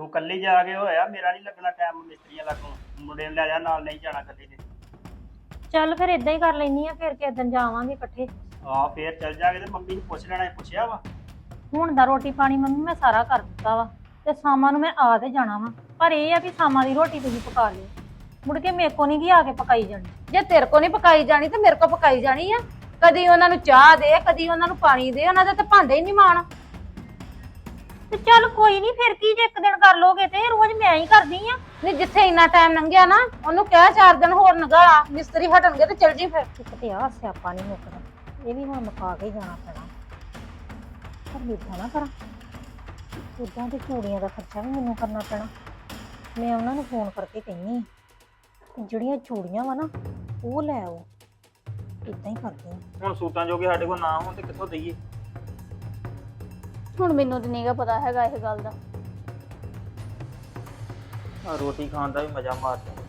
ਉਹ ਕੱਲੀ ਜਾ ਕੇ ਹੋਇਆ, ਮੇਰਾ ਨਹੀਂ ਲੱਗਣਾ ਟਾਈਮ ਮਿਸਤਰੀਆਂ ਲੱਗੋਂ। ਮੁੰਡੇ ਨੂੰ ਲੈ ਜਾ ਨਾਲ, ਨਹੀਂ ਜਾਣਾ ਕੱਲੀ ਨੇ। ਚੱਲ ਫਿਰ ਇਦਾਂ ਹੀ ਕਰ ਲੈਨੀ ਆ, ਫਿਰ ਕਿਸੇ ਦਿਨ ਜਾਵਾਂਗੇ ਇਕੱਠੇ। ਫੇਰ ਚੱਲ ਜਾਗੇ ਤੇ ਮੰਮੀ ਨੂੰ ਪੁੱਛ ਲੈਣਾ। ਪੁੱਛਿਆ ਵਾ? ਹੁਣ ਦਾ ਰੋਟੀ ਪਾਣੀ ਮੰਮੀ ਮੈਂ ਸਾਰਾ ਕਰ ਦਿੱਤਾ ਵਾ, ਤੇ ਸ਼ਾਮਾਂ ਨੂੰ ਮੈਂ ਆ ਤੇ ਜਾਣਾ ਵਾ। ਪਰ ਇਹ ਆ ਵੀ ਸ਼ਾਮਾਂ ਦੀ ਰੋਟੀ ਤੁਸੀਂ ਪਕਾ ਲਿਓ, ਮੁੜ ਕੇ ਮੇਰੇ ਕੋ ਨਹੀਂ ਗੀ ਆ ਕੇ ਪਕਾਈ ਜਾਣੀ। ਜੇ ਤੇਰੇ ਕੋ ਨਹੀਂ ਪਕਾਈ ਜਾਣੀ ਤੇ ਮੇਰੇ ਕੋ ਪਕਾਈ ਜਾਣੀ ਆ। ਕਦੀ ਉਹਨਾਂ ਨੂੰ ਚਾਹ ਦੇ, ਕਦੀ ਉਹਨਾਂ ਨੂੰ ਪਾਣੀ ਦੇ, ਉਹਨਾਂ ਦਾ ਤਾਂ ਭਾਂਡੇ ਹੀ ਨਹੀਂ ਮਾਣ। ਤੇ ਚੱਲ ਕੋਈ ਨਹੀਂ, ਫਿਰ ਕੀ ਜੇ ਇੱਕ ਦਿਨ ਕਰ ਲੋਗੇ ਤੇ ਰੋਜ਼ ਮੈਂ ਹੀ ਕਰਦੀ ਆ। ਨਹੀਂ ਜਿੱਥੇ ਇੰਨਾ ਟਾਈਮ ਲੰਘਿਆ ਨਾ, ਉਹਨੂੰ ਕਹਿ 4 ਦਿਨ ਹੋਰ ਨਗਾਲਾ, ਮਿਸਤਰੀ ਹਟਣਗੇ ਤੇ ਚਲ ਜੀ ਫਿਰ। ਇੱਕ ਤੇ ਆ ਸਿਆਪਾ ਨਹੀਂ ਮੁੱਕਦਾ, ਇਹ ਵੀ ਹੁਣ ਮੁਕਾ ਕੇ ਹੀ ਜਾਣਾ ਪੈਣਾ। ਪਰ ਏਦਾਂ ਨਾ ਕਰਾਂ, ਉਦਾਂ ਤੇ ਚੂੜੀਆਂ ਦਾ ਖਰਚਾ ਵੀ ਮੈਨੂੰ ਕਰਨਾ ਪੈਣਾ। ਮੈਂ ਉਹਨਾਂ ਨੂੰ ਫੋਨ ਕਰਕੇ ਕਹਿੰਨੀ ਆ ਕਿ ਜਿਹੜੀਆਂ ਚੂੜੀਆਂ ਵਾ ਨਾ ਉਹ ਲੈ ਆਓ। ਇਦਾਂ ਹੀ ਕਰਦੀ ਆ। ਹੁਣ ਸੂਟਾਂ ਜੋਗੇ ਸਾਡੇ ਕੋਲ ਨਾ ਹੋਣ ਤੇ ਕਿੱਥੋਂ ਦਈਏ? ਹੁਣ ਮੈਨੂੰ ਤੇ ਨਹੀਂਗਾ ਪਤਾ ਹੈਗਾ ਇਹ ਗੱਲ ਦਾ। ਰੋਟੀ ਖਾਣ ਦਾ ਵੀ ਮਜ਼ਾ ਮਾਰਦੇ।